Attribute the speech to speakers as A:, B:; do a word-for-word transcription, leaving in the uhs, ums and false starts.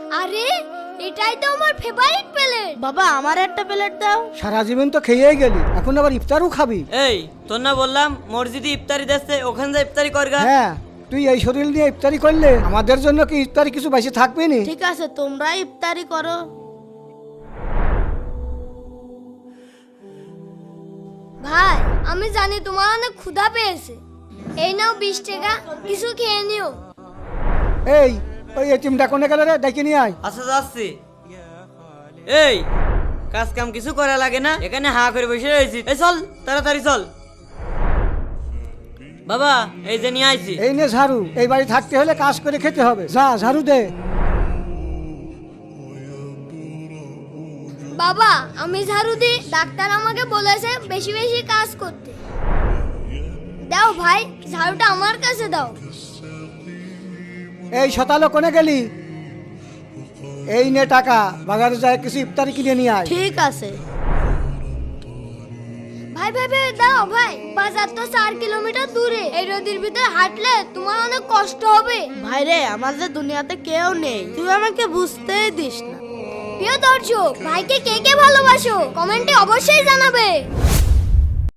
A: আরে এটাই তো আমার ফেভারিট প্লেট।
B: বাবা আমার একটা প্লেট দাও।
C: সারা জীবন তো খেয়েই গেলি, এখন আবার ইফতারও খাবি?
D: এই তোর না বললাম মসজিদে ইফতারি দিচ্ছে, ওখানে যা ইফতারি করগা।
C: হ্যাঁ, তুই এই শরীর নিয়ে ইফতারি করলে আমাদের জন্য কি ইফতারি কিছু বেশি থাকবে না?
B: ঠিক আছে তোমরা ইফতারি করো।
A: ভাই আমি জানি তোমার অনেক ক্ষুধা পেয়েছে, এই নাও বিশ টাকা, কিছু খেয়ে নিও।
C: এই ওই এটিমটা কোনে গেল রে, ডেকে নিয়ে আয়।
D: আচ্ছা যাচ্ছি। এই কাজ কাম কিছু করা লাগে না, এখানে হা করে বসে রয়েছি। এই চল তাড়াতাড়ি চল। বাবা এই যে নিয়ে আইছি।
C: এই নে ঝাড়ু, এই বাড়ি থাকতে হলে কাজ করে খেতে হবে, যা ঝাড়ু দে।
A: বাবা আমি ঝাড়ু দিই, ডাক্তার আমাকে বলেছে বেশি বেশি কাজ করতে। দাও ভাই, ঝাড়ুটা আমার কাছে দাও।
C: এই শতালো কোনে গেলি? এই নে টাকা, বাজারে যায় কিছু ইফতারি কিনে নিয়ে আয়।
B: ঠিক আছে।
A: ভাই ভাই ভাই দাও ভাই, বাজার তো চার কিলোমিটার দূরে, এই রোদের ভিতরে হাঁটলে তোমার অনেক কষ্ট হবে।
B: ভাই রে আমার যে দুনিয়াতে কেউ নেই, তুই আমাকে বুঝতেই দিস না।
A: প্রিয় দর্শক, ভাইকে কে কে ভালোবাসো কমেন্টে অবশ্যই জানাবে।